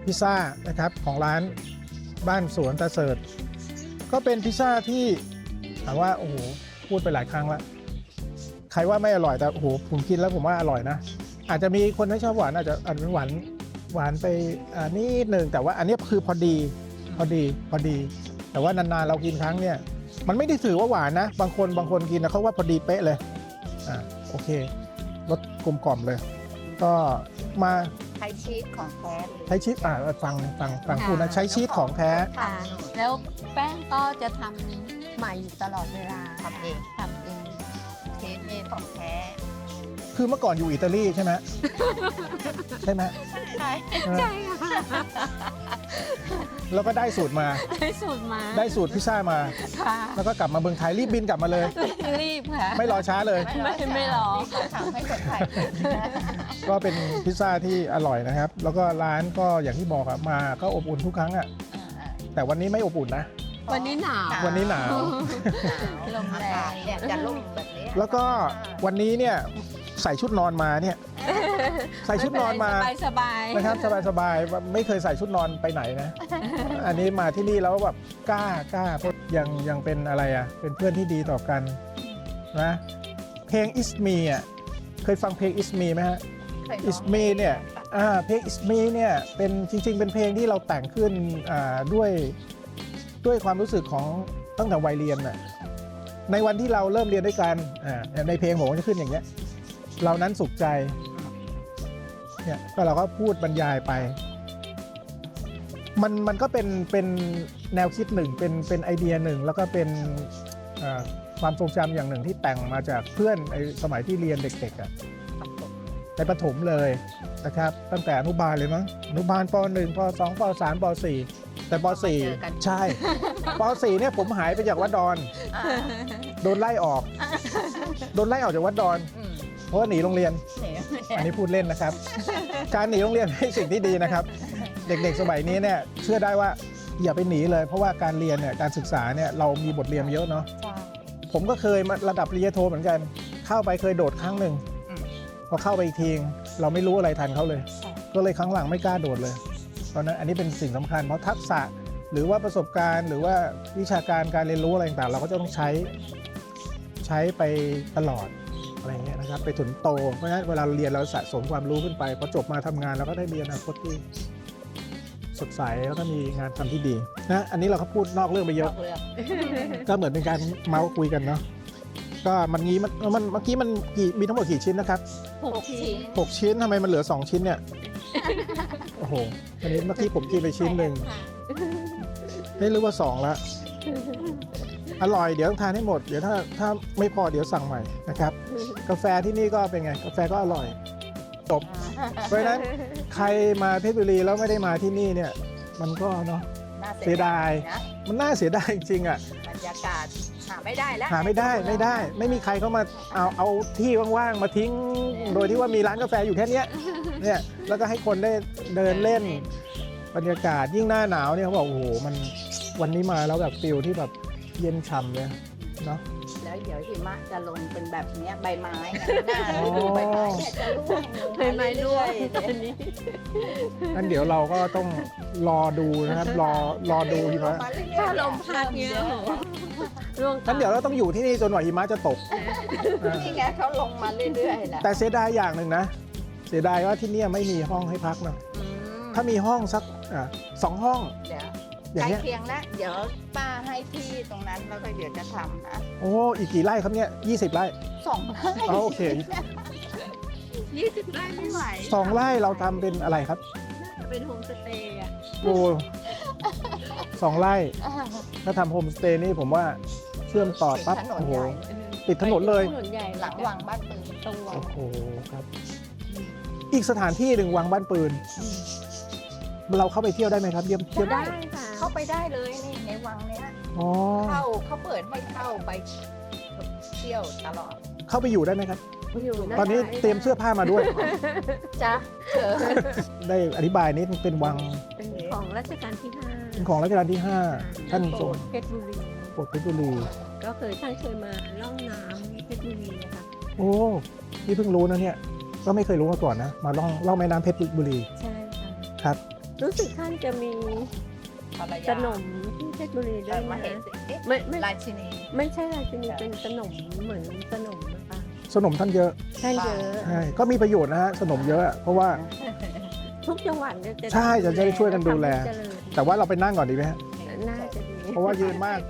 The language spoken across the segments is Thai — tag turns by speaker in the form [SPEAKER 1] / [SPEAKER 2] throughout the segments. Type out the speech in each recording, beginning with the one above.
[SPEAKER 1] พิซซ่านะครับของร้านบ้านสวนตาเสิร์ชก็เป็นพิซซ่าที่ถามว่าโอ้โหพูดไปหลายครั้งแล้วใครว่าไม่อร่อยแต่โอ้โหผมกินแล้วผมว่าอร่อยนะอาจจะมีคนไม่ชอบหวานอาจจะหวานไปนิดนึงแต่ว่าอันนี้คือพอดีแต่ว่านานๆเรากินครั้งเนี่ยมันไม่ได้ถือว่าหวานนะบางคนกินนะเขาว่าพอดีเป๊ะเลยโอเครสกลมกล่อมเลยก็มา
[SPEAKER 2] ใช้ชีสของแท้เลย
[SPEAKER 1] ใช้ชีสฟังคุณนะใช้ชีสของแท้
[SPEAKER 3] ค่ะแล้วแป้งก็จะทำใหม่อยู่ตลอดเวลา
[SPEAKER 2] ทำเอง
[SPEAKER 3] ทำเอง
[SPEAKER 2] ชีสนี่ของแท้
[SPEAKER 1] คือเมื่อก่อนอยู่อิตาลีใช่ไหม ใช่ไหม
[SPEAKER 2] ใช่
[SPEAKER 3] ใช่ค่ะ
[SPEAKER 1] แล้วก็ได้สูตรมา
[SPEAKER 3] ได้สูตรมา
[SPEAKER 1] ได้สูตรพิซซ่ามา
[SPEAKER 3] ค่ะ
[SPEAKER 1] แล้วก็กลับมาเมืองไทยรีบบินกลับมาเลย
[SPEAKER 3] รีบค่ะ
[SPEAKER 1] ไม่รอช้าเลย
[SPEAKER 3] ไม่รอ
[SPEAKER 2] เขาทำให้คนไทยกินนะ
[SPEAKER 1] ก็เป็นพิซซ่าที่อร่อยนะครับ แล้วก็ร้านก็อย่างที่บอกอะมาก็อบอุ่นทุกครั้งอะแต่วันนี้ไม่อบอุ่นนะ
[SPEAKER 3] วันนี้หนาว
[SPEAKER 1] วันนี้หนาว
[SPEAKER 3] ลมแรง
[SPEAKER 2] เนี่ยจะลุ่มแบบนี้
[SPEAKER 1] แล้วก็วันนี้เนี่ยใส่ชุดนอนมาเนี่ยใส่ชุดนอนมา
[SPEAKER 3] สบาย
[SPEAKER 1] นะครับสบายๆไม่เคยใส่ชุดนอนไปไหนนะ อันนี้มาที่นี่แล้วแบบกล้าเพราะยังเป็นอะไรอ่ะเป็นเพื่อนที่ดีต่อกันนะเพลง Is Me อ่ะเคยฟังเพลง Is Me ไหมฮะ Is Me เนี่ยเพลง Is Me เนี่ยเป็นจริงๆเป็นเพลงที่เราแต่งขึ้นด้วยความรู้สึกของตั้งแต่วัยเรียนน่ะในวันที่เราเริ่มเรียนด้วยกันในเพลงผมก็จะขึ้นอย่างเงี้ยเรานั้นสุขใจเนี่ยก็เราก็พูดบรรยายไปมันก็เป็นแนวคิดหนึ่งเป็นไอเดียหนึ่งแล้วก็เป็นความทรงจำอย่างหนึ่งที่แต่งมาจากเพื่อนในสมัยที่เรียนเด็กๆในประถมเลยนะครับตั้งแต่อนุบาลเลยมั้งอนุบาลป .1 ป .2 ป .3 ป .4 แต่ป .4 ใช่ป .4 เนี่ยผมหายไปจากวัดดอนโดนไล่ออกจากวัดดอนเพราะว่าหนีโรงเรียนอันนี้พูดเล่นนะครับ การหนีโรงเรียนเป็นสิ่งที่ดีนะครับ เด็กๆสมัยนี้เนี่ยเชื่อได้ว่าอย่าไปหนีเลยเพราะว่าการเรียนเนี่ยการศึกษาเนี่ยเรามีบทเรียนเยอะเนาะผมก็เคยมาระดับปริญญาโทเหมือนกันเข้าไปเคยโดดครั้งหนึ่งพอเข้าไปอีกทีเราไม่รู้อะไรทันเขาเลยก็เลยครั้งหลังไม่กล้าโดดเลยตอนนั้นอันนี้เป็นสิ่งสำคัญเพราะทักษะหรือว่าประสบการณ์หรือว่าวิชาการการเรียนรู้อะไรต่างๆเราก็จะต้องใช้ไปตลอดอะไรเงี้ยนะครับไปถึงโตเพราะฉะนั้นเวลาเรียนเราสะสมความรู้ขึ้นไปพอจบมาทำงานเราก็ได้มีอนาคตที่สดใสแล้วก็มีงานทำที่ดีนะอันนี้เราก็พูดนอกเรื่องไปเยอะก็เหมือนเป็นการเมาส์คุยกันเนาะก็มันงี้มันเมื่อกี้มันมีทั้งหมดกี่ชิ้นนะครับ6 ชิ้นทำไมมันเหลือ2 ชิ้นเนี่ยโอ้โหอันนี้เมื่อกี้ผมกินไปชิ้นหนึ่งไม่รู้ว่า2แล้วอร่อยเดี๋ยวต้องทานให้หมดเดี๋ยวถ้าไม่พอเดี๋ยวสั่งใหม่นะครับกาแฟที่นี่ก็เป็นไงกาแฟก็อร่อยจบเพราะฉะนั้นใครมาเพชรบุรีแล้วไม่ได้มาที่นี่เนี่ยมันก็เนาะเสียดายมันน่าเสียดายจริงๆอ่ะ
[SPEAKER 2] บรรยากาศหาไม่ได้แล้ว
[SPEAKER 1] ไม่มีใครเข้ามาเอาที่ว่างๆมาทิ้งโดยที่ว่ามีร้านกาแฟอยู่แค่นี้เนี่ยแล้วก็ให้คนได้เดินเล่นบรรยากาศยิ่งหน้าหนาวเนี่ยเขาบอกโอ้โหมันวันนี้มาแล้วแบบฟิลที่แบบเย็นฉ่ำเลยเนาะ
[SPEAKER 2] แล้วเดี๋ยวหิมะจะลงเป็นแบบนี้ใบไม้หน้าฤดูใบไม้เนี่ยจะร่วง
[SPEAKER 3] ใบไม้ร่วงตอนนี้
[SPEAKER 1] งั้นเดี๋ยวเราก็ต้องรอดูนะครับรอดูหิมะ
[SPEAKER 3] ถ้าลมพัดเงี้ยร่วง
[SPEAKER 1] งั้นเดี๋ยวเราต้องอยู่ที่นี่จนกว่าหิมะจะตก
[SPEAKER 2] นี่ไงเขาลงมาเรื่อยๆนะ
[SPEAKER 1] แต่เสียดายอย่างหนึ่งนะเสียดายว่าที่นี่ไม่มีห้องให้พักนะถ้ามีห้องสัก2 ห้อง
[SPEAKER 2] เดี๋ยว
[SPEAKER 1] อย่าง
[SPEAKER 2] ใกล้
[SPEAKER 1] เงี้ย
[SPEAKER 2] เคียงแล้วเดี๋ยวป้าให้ที่ตรงนั้นแล้วก็เดี๋ยวจะทำนะ
[SPEAKER 1] โอ้อีกกี่ไร่ครับเนี่ย20 ไร่
[SPEAKER 2] 2 ไร่
[SPEAKER 1] โอเค
[SPEAKER 3] 20 ไร่ไม่ไหว
[SPEAKER 1] 2 ไร่เราทำเป็นอะไรครับ
[SPEAKER 3] เป็นโฮมสเตย์อ่ะ
[SPEAKER 1] โอ้2 ไร่ถ้าทำโฮมสเตย์นี่ผมว่าเชื่อมต่อปั๊บ
[SPEAKER 2] ถนน
[SPEAKER 1] โอ้โห
[SPEAKER 2] ใหญ่
[SPEAKER 1] ติดถนนเลย
[SPEAKER 3] ถนนใหญ่
[SPEAKER 2] หลังวังบ้านปืน
[SPEAKER 3] ตรงวัง
[SPEAKER 1] โอ้โหครับอีกสถานที่หนึ่งวังบ้านปืนเราเข้าไปเที่ยวได้ไหมครับเยี่ยม
[SPEAKER 3] ได้ค่ะ
[SPEAKER 2] เข้าไปได้เลยนี่ในวังเนี้ย
[SPEAKER 1] อ๋อ
[SPEAKER 2] เขาเปิดให้เข้าไปเที่ยวตลอด
[SPEAKER 1] เข้าไปอยู่ได้ไหมครับ
[SPEAKER 3] อยู่ะ
[SPEAKER 1] ตอนนี้เตรียมเสื้อผ้ามาด้วย
[SPEAKER 2] จ้ะ
[SPEAKER 1] ได้อธิบายนิดเป็นวัง
[SPEAKER 3] เป็นของรัชกาลที่5
[SPEAKER 1] เป็นของรัชกาลที่ 5 ท่านทรง
[SPEAKER 3] เพชรบุรี
[SPEAKER 1] โปรดเพชรบุรี
[SPEAKER 3] ก็ท่านเคยมาล่องน้ำเพชรบุรีนะคะ
[SPEAKER 1] โอ้นี่เพิ่งรู้นะเนี่ยก็ไม่เคยรู้มาก่อนนะมาล่องแม่น้ำเพชรบุรี
[SPEAKER 3] ใช่ค่ะ
[SPEAKER 1] ครับ
[SPEAKER 3] รู้สึกท่านจะมี
[SPEAKER 2] ภรร
[SPEAKER 3] ข
[SPEAKER 2] ยาน
[SPEAKER 3] มที่เพชรบุรีด้
[SPEAKER 2] แต่
[SPEAKER 3] วย
[SPEAKER 2] มา
[SPEAKER 3] นะ
[SPEAKER 2] เห็นสิเอ๊ะ
[SPEAKER 3] ไม่
[SPEAKER 2] ราชินี
[SPEAKER 3] ไม่ใช่ราชินีเป็นขนมเหมือนขนมนะคะ
[SPEAKER 1] สนมท่านเยอะ
[SPEAKER 3] ท่านเยอะ
[SPEAKER 1] ใช่ก็มีประโยชน์นะฮะสนมเยอะอะเพราะว่า
[SPEAKER 3] ทุกจังหวัดเนี่ยจะ
[SPEAKER 1] ใช่จะได้ช่วยกันดูแล
[SPEAKER 3] ทำให้เจริญ
[SPEAKER 1] แต่ว่าเราไปนั่งก่อนดีไหมฮะ
[SPEAKER 3] น่าจะดี
[SPEAKER 1] เพราะว่ายืนมาก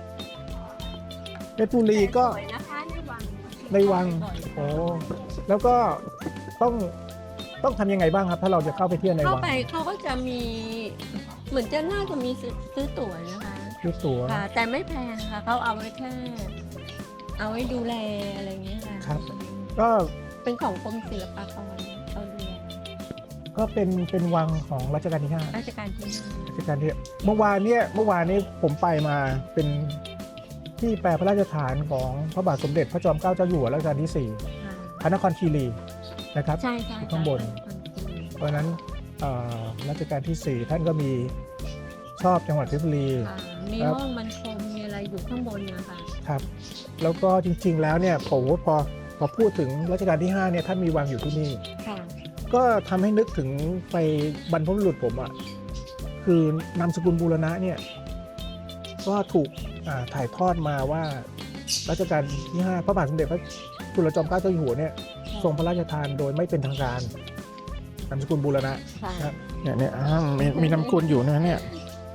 [SPEAKER 1] เพชรบุรีก็
[SPEAKER 3] สวยนะคะในวัง
[SPEAKER 1] ในวัง โอ้แล้วก็ต้องทำยังไงบ้างครับ ถ้าเราจะเข้าไปเที่ยวใน
[SPEAKER 3] เข้า
[SPEAKER 1] วัง
[SPEAKER 3] ไปเขาก็จะมีเหมือนจะน่าจะมีซื้อตั๋วนะคะ
[SPEAKER 1] ซื้อตั๋ว
[SPEAKER 3] ค่ะ แต่ไม่แพงค่ะเขาเอาไว้แค่เอาไว้ดูแลอะไรอย่างเงี้ยค่ะ
[SPEAKER 1] ครับ ก็
[SPEAKER 3] เป็นของกรมศิลปากรเขาดูแล
[SPEAKER 1] ก็เป็นวังของรัชกาลที่ 5
[SPEAKER 3] ราชการที่ห้า
[SPEAKER 1] รัชกาลที่เมื่อวานนี้ผมไปมาเป็นที่แปลพระราชฐานของพระบาทสมเด็จพระจอมเกล้าเจ้าอยู่หัวรัชกาลที่
[SPEAKER 3] ค่ะ
[SPEAKER 1] 4 พระนครคีรีนะครับ
[SPEAKER 3] ใช่ใช่
[SPEAKER 1] อยู่ข้างบน เพราะฉะนั้นรัชกาลที่ 4 ท่านก็มีชอบจังหวัดเพชรบุรี
[SPEAKER 3] ค่ะมีห้องมันคมมีอะไรอยู่ข้างบนนะคะ
[SPEAKER 1] ครับ แล้วก็จริงๆแล้วเนี่ยผมว่าพอพูดถึงรัชกาลที่ 5เนี่ยท่านมีวังอยู่ที่นี่
[SPEAKER 3] ค่ะ
[SPEAKER 1] ก็ทำให้นึกถึงไปบรรพบุรุษผมอ่ะคือนามสกุลบูรณะเนี่ยก็ถูกถ่ายทอดมาว่ารัชกาลที่ 5 พระบาทสมเด็จพระจุลจอมเกล้าเจ้าอยู่หัวเนี่ยทรงพระราชทานโดยไม่เป็นทางการนามสกุลบูรณะ
[SPEAKER 3] ค่ะ
[SPEAKER 1] ครับเนี่ยมีนามสกุลอยู่นะเนี่ย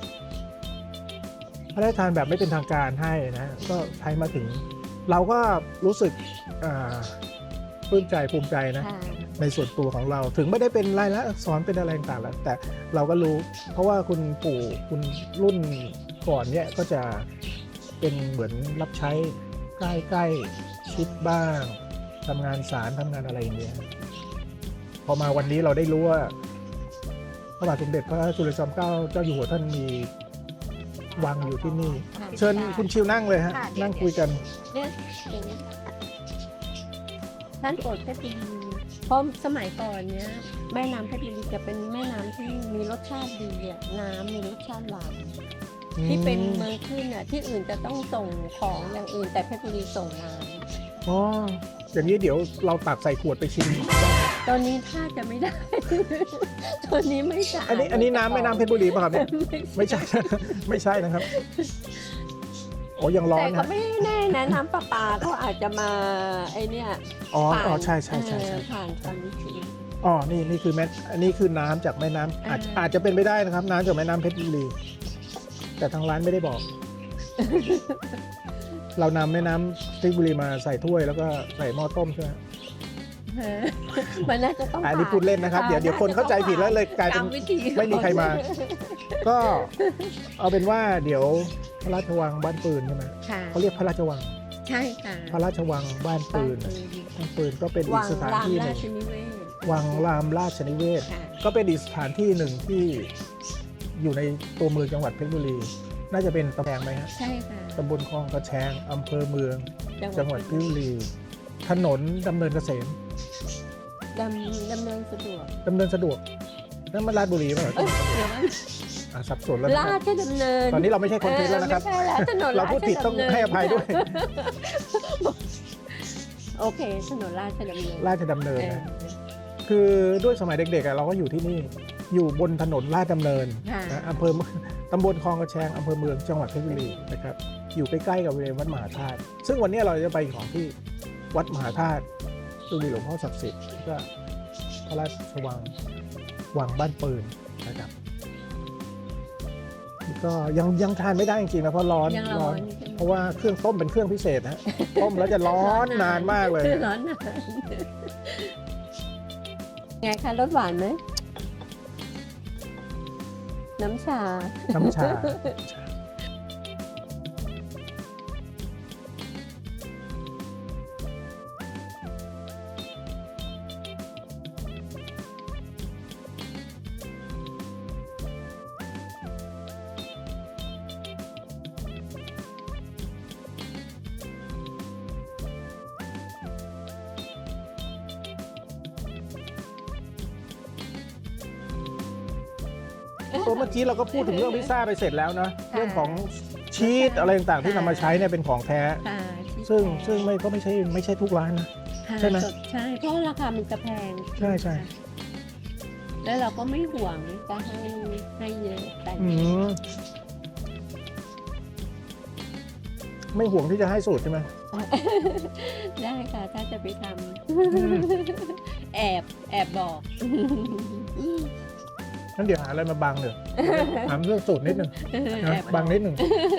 [SPEAKER 1] พระราชทานแบบไม่เป็นทางการให้นะก็ใช้มาถึง เราก็รู้สึกปลื้มใจภูมิใจนะ
[SPEAKER 3] ค่ะ
[SPEAKER 1] ในส่วนตัวของเราถึงไม่ได้เป็นรายละอักษรเป็นอะไรต่างๆแล้วแต่เราก็รู้ เพราะว่าคุณปู่คุณรุ่นก่อนเนี่ยก็จะเป็นเหมือนรับใช้ใกล้ๆชิดบ้างทำงานศาลทำงานอะไรอย่างเงี้ยพอมาวันนี้เราได้รู้ว่าพระบาทสมเด็จพระจุลจอมเกล้าเจ้าอยู่หัวท่านมีวังอยู่ที่นี่
[SPEAKER 3] ค่ะ
[SPEAKER 1] เชิญคุณชิวนั่งเลยฮะนั่งคุยกัน
[SPEAKER 3] เนี่ยอย่างนี้ท่านโปรดเพชรบุรีเพราะสมัยก่อนเนี้ยแม่น้ำเพชรบุรีจะเป็นแม่น้ำที่มีรสชาติดีอะน้ำมีรสชาติหวานที่เป็นเมืองขึ้นอะที่อื่นจะต้องส่งของอย่างอื่น แต่เพชรบุรีส่งน้
[SPEAKER 1] อ๋ออย่างนี้เดี๋ยวเราตักใส่ขวดไปชิม
[SPEAKER 3] ำตอนนี้ถ้าจะไม่ได้ ตอนนี้ไม่สะอาด
[SPEAKER 1] อันนี้น้ำแม่น้ำเพชรบุรีป่ะครับเนี่ย ไม่ใช่ ไม่ใช่นะครับโอ้ยังร้อ
[SPEAKER 3] แต่
[SPEAKER 1] น
[SPEAKER 3] ก็
[SPEAKER 1] นะ
[SPEAKER 3] ไม่แน่นะน้ำประปาเขาอาจจะมาไอเนี่ย
[SPEAKER 1] อ๋อ
[SPEAKER 3] ผ่าน
[SPEAKER 1] อ๋อใช่ใช่ใช่ใช่
[SPEAKER 3] ผ่านความวิธี
[SPEAKER 1] อ๋อนี่คืออันนี้คือน้ำจากแม่น้ำอาจจะเป็นไปได้นะครับ น้ำจากแม่น้ำเพชรบุรีแต่ทางร้านไม่ได้บอก เรานำแม่น้ำเพชรบุรีมาใส่ถ้วยแล้วก็ใส่หม้อต้มใช่ไหม
[SPEAKER 3] มันน่าจะต้อง
[SPEAKER 1] อันนี้พูดเล่นนะครับ เดี๋ยวคนเข้าใจผิดแล้วเลยกลายเป็น
[SPEAKER 3] ตมวิธี
[SPEAKER 1] ไม่มีใครมา ก็เอาเป็นว่าเดี๋ยวพระราชวังบ้านปืนใช่ไหม
[SPEAKER 3] ค่ะ
[SPEAKER 1] เขาเรียกพระราชวัง
[SPEAKER 3] ใช่ค่ะ
[SPEAKER 1] พระราชวังบ้านปืน บ้านปืนก็เป็นอี
[SPEAKER 3] วั
[SPEAKER 1] ก
[SPEAKER 3] ง
[SPEAKER 1] สถาน
[SPEAKER 3] ราม
[SPEAKER 1] ที่ห
[SPEAKER 3] รา
[SPEAKER 1] นึ่ง
[SPEAKER 3] ชนิเวศ
[SPEAKER 1] วังรามราชนิเวศ
[SPEAKER 3] ค่ะ
[SPEAKER 1] ก็เป็นอีกสถานที่หนึ่งที่อยู่ในตัวเมืองจังหวัดเพชรบุรี น่าจะเป็นตำแพงไหมฮะ
[SPEAKER 3] ใช่ค่ะ
[SPEAKER 1] ตำบลคลองกระแชงอำเภอเมืองจังหวัดเพชรบุรี ถนนดำเนินเกษม
[SPEAKER 3] ดำเนินสะดวก
[SPEAKER 1] ดำเนินสะดวกนั่นมันราชบุรีป่ะ
[SPEAKER 3] เอ้ยเดี๋ยวนะ
[SPEAKER 1] สับสนแล้วนะ
[SPEAKER 3] ราชดำเนิน
[SPEAKER 1] ตอนนี้เราไม่ใช่คนเพชรแล้วนะครับ
[SPEAKER 3] ไม่ใช่แล้วถนน
[SPEAKER 1] เราพูดผิดต้องให้อภัยด้วย
[SPEAKER 3] โอเคถนนราชดำเนิน
[SPEAKER 1] ราชดำเนิน
[SPEAKER 3] เออ
[SPEAKER 1] นะคือด้วยสมัยเด็กๆเราก็อยู่ที่นี่ อยู่บนถนนราชดำเนิน
[SPEAKER 3] ค่ะ
[SPEAKER 1] นะอำเภอตำบลคลองกระแชงอำเภอเมืองจังหวัดเพชรบุรีนะครับอยู่ใกล้ๆกับบริเวณวัดมหาธาตุซึ่งวันนี้เราจะไปของที่วัดมหาธาตุซึ่งมีหลวงพ่อศักดิ์สิทธิ์แล้วก็พระราชวังบ้านปืนนะครับนี่ก็ยังทานไม่ได้จริงๆนะเพราะร้อน
[SPEAKER 3] ยังร้อน
[SPEAKER 1] เพราะว่าเครื่องต้มเป็นเครื่องพิเศษนะต้มแล้วจะร้อนนานมากเลย
[SPEAKER 3] ร้อนนานไงคะรสหวานไหมน้ำชา
[SPEAKER 1] น้ำชา ตัวเมื่อกี้เราก็พูดถึงเรื่องพิซซ่าไปเสร็จแล้วนะเรื่องของชีสอะไรต่างๆที่นำมาใช้เนี่ยเป็นของแท้
[SPEAKER 3] ค่ะ
[SPEAKER 1] ซึ่งก็ไม่ใช่ทุกร้านนะ
[SPEAKER 3] ค่ะ
[SPEAKER 1] ใช่ไหม
[SPEAKER 3] ใช่เพราะราคามันจะแพง
[SPEAKER 1] ใช่ใช่
[SPEAKER 3] แล้วเราก็ไม่ห่วงจะให้เยอะแต่
[SPEAKER 1] อืมไม่ห่วงที่จะให้สูตรใช่ไหม
[SPEAKER 3] ได้ค่ะ ถ้าจะไปท
[SPEAKER 1] ม
[SPEAKER 3] ำ แอบบอก
[SPEAKER 1] งั้นเดี๋ยวหาอะไรมาบังเดี๋ยวถามเรื่องสูตรนิดหนึ่งนะบังนิดหนึ่ง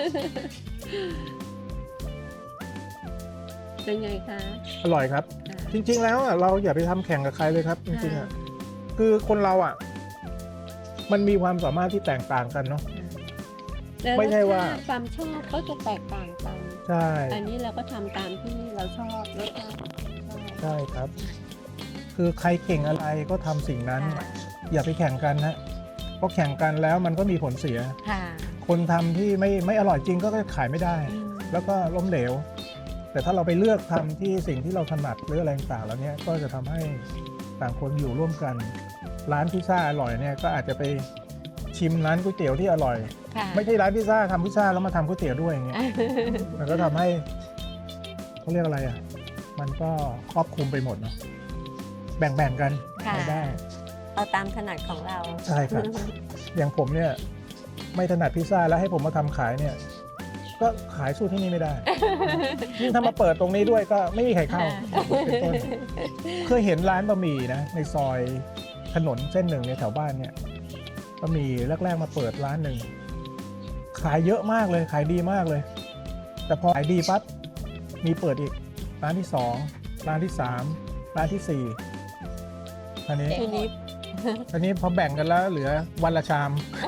[SPEAKER 3] เป็นไงคะ
[SPEAKER 1] อร่อยครับ จริง ๆ แล้วอ่ะเราอย่าไปทำแข่งกับใครเลยครับ จริงๆอ่ะคือคนเราอ่ะ มันมีความสามารถที่แตกต่างกันเนาะ ไม่ใช่ว่า
[SPEAKER 3] ความชอบก็จะแตกต่างกัน
[SPEAKER 1] ใช่
[SPEAKER 3] อันนี้เราก็ทำตามที่เราชอบรสชาติ
[SPEAKER 1] ใช่ครับ คือใครเก่งอะไรก็ทำสิ่งนั้น
[SPEAKER 2] ค่ะ
[SPEAKER 1] อย่าไปแข่งกันนะเพราะแข่งกันแล้วมันก็มีผลเสีย
[SPEAKER 3] ค่ะ
[SPEAKER 1] คนทำที่ไม่อร่อยจริงก็ขายไม่ได้
[SPEAKER 3] อืม
[SPEAKER 1] แล้วก็ล้มเหลว แต่ถ้าเราไปเลือกทำที่สิ่งที่เราถนัดหรืออะไรต่างๆแล้วเนี้ยก็จะทำให้ต่างคนอยู่ร่วมกัน ร้านพิซซ่าอร่อยเนี่ยก็อาจจะไปชิมร้านก๋วยเตี๋ยวที่อร่อย
[SPEAKER 3] ค่ะ
[SPEAKER 1] ไม่ใช่ร้านพิซซ่าทำพิซซ่าแล้วมาทำก๋วยเตี๋ยวด้วยอย่างเงี้ยมันก็ทำให้เขาเรียกอะไรอ่ะมันก็ครอบคลุมไปหมดเนาะแบ่งๆกัน
[SPEAKER 3] ค่ะ
[SPEAKER 1] รายได้
[SPEAKER 3] เอาตามถนัดของเรา
[SPEAKER 1] ใช่ครับ อย่างผมเนี่ยไม่ถนัดพิซซ่าแล้วให้ผมมาทำขายเนี่ย ก็ขายสู้ที่นี่ไม่ได้ ยิ่งถ้ามาเปิดตรงนี้ด้วยก็ไม่มีใครเข้าเป็นต้นเคยเห็นร้านบะหมี่นะในซอยถนนเส้นหนึ่งในแถวบ้านเนี่ยบะหมี่แรกๆมาเปิดร้านหนึ่งขายเยอะมากเลยขายดีมากเลย แต่พอขายดีปั๊บมีเปิดอีกร้านที่2ร้านที่3ร้านที่4อันนี้
[SPEAKER 3] ทีนี้
[SPEAKER 1] อันนี้พอแบ่งกันแล้วเหลือวันละชาม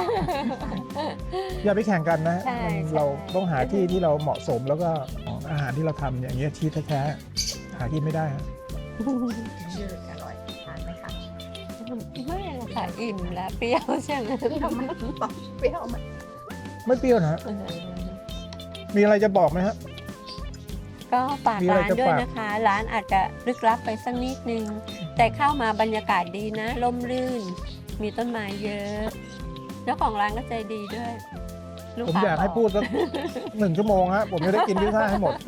[SPEAKER 1] อย่าไปแข่งกันนะ
[SPEAKER 3] ใช่
[SPEAKER 1] เรา
[SPEAKER 3] ใช่
[SPEAKER 1] ต้องหาที่ที่เราเหมาะสมแล้วก็อาหารที่เราทำอย่างเงี้ยที่แท้ๆหากินไม่ได้ฮะ
[SPEAKER 2] ชื่ออร่อยทานไหมคะ
[SPEAKER 3] ไม่ละค่ะอิ่มแล้วเปรี้ยวใช่ไหม
[SPEAKER 2] เปรี้ยวไหมบอกเปรี้ยวไหม
[SPEAKER 1] ไม่เปรี้ยวนะฮะมีอะไรจะบอกไหมฮะ
[SPEAKER 3] ก็ฝาก
[SPEAKER 1] มีอะไร
[SPEAKER 3] ร้าน
[SPEAKER 1] จะ
[SPEAKER 3] ด้วย
[SPEAKER 1] ฝาก
[SPEAKER 3] นะคะ ร้านอาจจะลึกลับไปสักนิดนึง แต่เข้ามาบรรยากาศดีนะร่มรื่น มีต้นไม้เยอะเจ้าของร้านก็ใจดีด้วยลู
[SPEAKER 1] ผม
[SPEAKER 3] ค้
[SPEAKER 1] อยากให้
[SPEAKER 3] บ
[SPEAKER 1] พูดสัก 1 ชั่วโมงฮะผมจะได้กินพิซซ่าให้หมด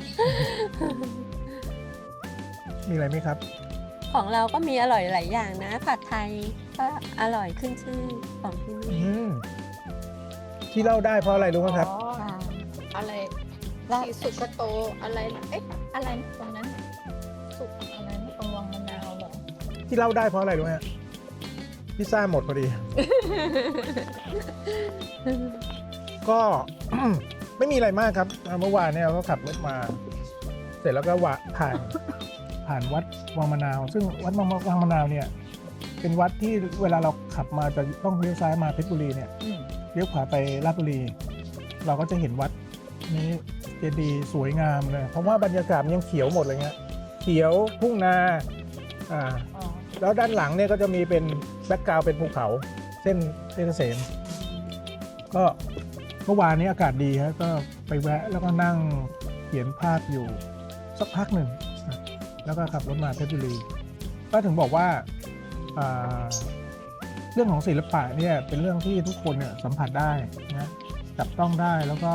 [SPEAKER 1] มีอะไรไหมครับ
[SPEAKER 3] ของเราก็มีอร่อยหลายอย่างนะ ผัดไทยก็อร่อยขึ้นชื่อของที่
[SPEAKER 1] อื
[SPEAKER 3] นี่
[SPEAKER 1] มที่เล่าได้เพราะอะไรรู้ไหมครับ
[SPEAKER 2] อ๋อ
[SPEAKER 3] ค่ะ
[SPEAKER 2] อะไรที่สุกโตอะไรนะเอ๊ะอะไรนะตรงนั้นน่ะสุกอะไรนะตรงวังมะนาวเหรอ
[SPEAKER 1] ที่เล่าได้เพราะอะไรรู้ไหมฮะพิซซ่าหมดพอดี ก็ ไม่มีอะไรมากครับเมื่อวานเนี่ยเราก็ขับรถมา เสร็จแล้วก็ผ่านวัดวังมะนาว ซึ่งวัดวังมะนาวเนี่ย เป็นวัดที่เวลาเราขับมาจะต้องเลี้ยวซ้ายมาเพชรบุรีเนี่ย
[SPEAKER 2] อืม
[SPEAKER 1] เลี้ยวขวาไปลาดบุรี เราก็จะเห็นวัดนี้เจดีย์สวยงามเลยเพราะว่าบรรยากาศมันยังเขียวหมดเลยเงี้ยเขียวทุ่งนาอ่า
[SPEAKER 2] อ๋อ
[SPEAKER 1] แล้วด้านหลังเนี่ยก็จะมีเป็นแบ็กกราวด์เป็นภูเขาเส้นเพชรเกษมก็เมื่อวานนี้อากาศดีฮะก็ไปแวะแล้วก็นั่งเขียนภาพอยู่สักพักหนึ่งนะแล้วก็ขับรถมาเพชรบุรีก็ถึงบอกว่าอ่าเรื่องของศิลปะเนี่ยเป็นเรื่องที่ทุกคนเนี่ยสัมผัสได้นะจับต้องได้แล้วก็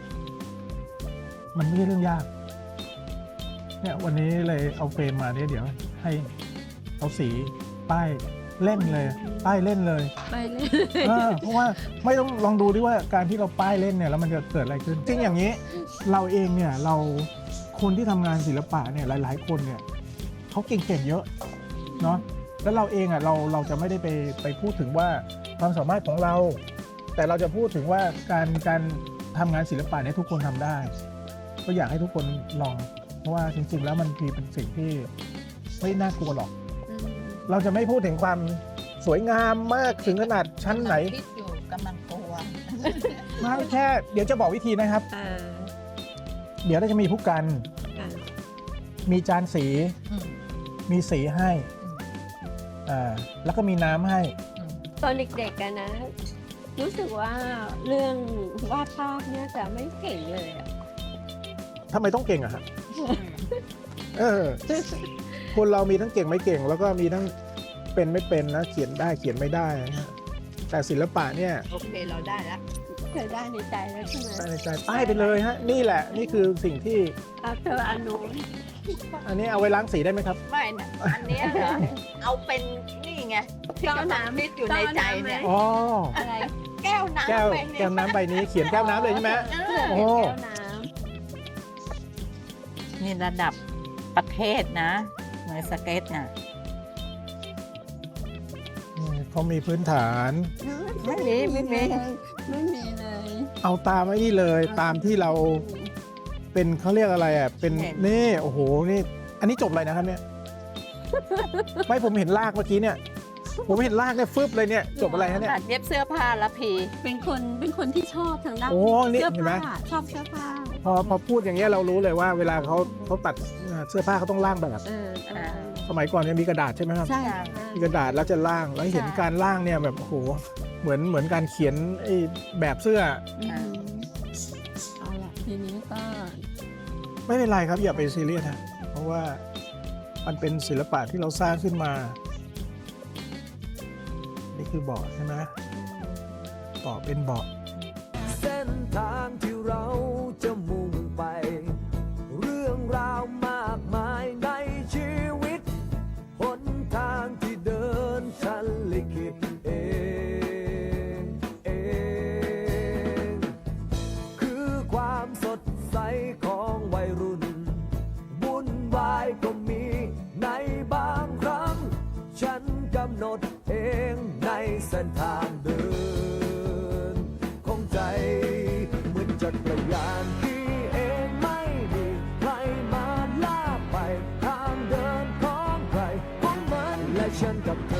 [SPEAKER 1] มันไม่ใช่เรื่องยากเนี่ยวันนี้เลยเอาเฟรมมาเนี่ยเดี๋ยวให้เอาสีป้ายเล่นเลยป้ายเล่นเลย
[SPEAKER 3] ไปเลย
[SPEAKER 1] เพราะว่าไม่ต้องลองดูดิว่าการที่เราป้ายเล่นเนี่ยแล้วมันจะเกิดอะไรขึ้นจริงอย่างนี้เราเองเนี่ยเราคนที่ทำงานศิลปะเนี่ยหลายๆคนเนี่ยเขาเก่งๆเยอะเนาะแล้วเราเองอ่ะเราจะไม่ได้ไปพูดถึงว่าความสามารถของเรา แต่เราจะพูดถึงว่าการทำงานศิลปะเนี่ยทุกคนทำได้ ก็อยากให้ทุกคนลอง เพราะว่าจริงๆแล้วมันเป็นสิ่งที่ไม่น่ากลัวหรอก เราจะไม่พูดถึงความสวยงามมากถึงขนาดชั้นไหน
[SPEAKER 2] กำลังคิดอยู่กำลังกลัว
[SPEAKER 1] ไม่แค่เดี๋ยวจะบอกวิธีนะครับ
[SPEAKER 3] อ่า
[SPEAKER 1] เดี๋ยวเราจะมีผู้กัน
[SPEAKER 3] ค่ะ
[SPEAKER 1] มีจานสี
[SPEAKER 2] อืม
[SPEAKER 1] มีสีให้
[SPEAKER 2] อืม
[SPEAKER 1] แล้วก็มีน้ำให้
[SPEAKER 2] อืม
[SPEAKER 3] ตอนเด็กๆกันนะ รู้สึกว่าเรื่องวาดภาพเนี่ยจะไม่เก่งเลยอะ
[SPEAKER 1] ทำไมต้องเก่งอะฮะเออคนเรามีทั้งเก่งไม่เก่ง แล้วก็มีทั้งเป็นไม่เป็นนะเขียนได้เขียนไม่ได้นะฮะแต่ศิลปะเนี่ย
[SPEAKER 2] โอเคเราได้แล้ว
[SPEAKER 3] เธอได้ในใจแล้วใช่ไหม
[SPEAKER 1] ได้ในใจป้ายไปเลยฮะนี่แหละนี่คือสิ่งที่
[SPEAKER 3] เอาเธออนุ
[SPEAKER 1] อันนี้เอาไว้ล้างสีได้ไหมครับ
[SPEAKER 2] ไม่นะอันเนี้ยเหรอ เอาเป็นนี่ไงที่กำลังคิดอยู่ในใจเนี่ย
[SPEAKER 1] อ๋อ
[SPEAKER 3] อะไร
[SPEAKER 2] แก้ว
[SPEAKER 1] แก้ว
[SPEAKER 2] น้ำไปเนี่ย
[SPEAKER 1] แก้วน้ำใบนี้เขียนแก้วน้ำเลยใช่ไหม โอ้
[SPEAKER 3] แก้วน้
[SPEAKER 2] นี่ระดับประเทศนะเหมือนสเก็ตน่ะ
[SPEAKER 1] เขามีพื้นฐาน
[SPEAKER 3] ำ
[SPEAKER 2] ไม่มีไม่มี
[SPEAKER 3] ไม่มีเลย
[SPEAKER 1] เอาตามไอ้นี่เลยตามที่เราเป็นเขาเรียกอะไรอ่ะเป็นนี่โอ้โหนี่อันนี้จบอะไรนะครับเนี่ย ไม่ผมเห็นลากเมื่อกี้เนี่ย ผมเห็นลากเนี่ยฟึบเลยเนี่ยจบอะไรฮะเนี่ย
[SPEAKER 2] ตัดเย็บเสื้อผ้าละพี
[SPEAKER 3] เป็นคนที่ชอบทางด้าน
[SPEAKER 1] โอ้นี่
[SPEAKER 3] เสื้อ
[SPEAKER 1] เห็นไหม
[SPEAKER 3] ผ้าชอบเสื้อผ้า
[SPEAKER 1] พอพูดอย่างเงี้ยเรารู้เลยว่าเวลาเขาตัดเสื้อผ้าเขาต้องล่างแบบ สมัยก่อนเนี่ยมีกระดาษใช่ไหมครับ
[SPEAKER 3] ใช่
[SPEAKER 1] มีกระดาษแล้วจะล่างแล้วเห็นการล่างเนี่ยแบบโอ้โหเหมือนการเขียนไอ้แบบเสื้อ
[SPEAKER 3] เอาละทีนี้ก็
[SPEAKER 1] ไม่เป็นไรครับอย่าไปซีเรียสฮะเพราะว่ามันเป็นศิลปะที่เราสร้างขึ้นมา นี่คือเบาะใช่ไหมเบาะเป็นเบาะ
[SPEAKER 4] เส้นทางที่เราจะมุ่งไป เรื่องราวมากมายในชีวิตหนทางที่เดินฉันลิขิตเองคือความสดใสของวัยรุ่นวุ่นวายก็มีในบางครั้ง ฉันกำหนดเองในเส้นทางเดินของใจเหมือนจักรยานที่เองไม่มีใครมาลากไปทางเดินของใครของมันและฉันกับเธอ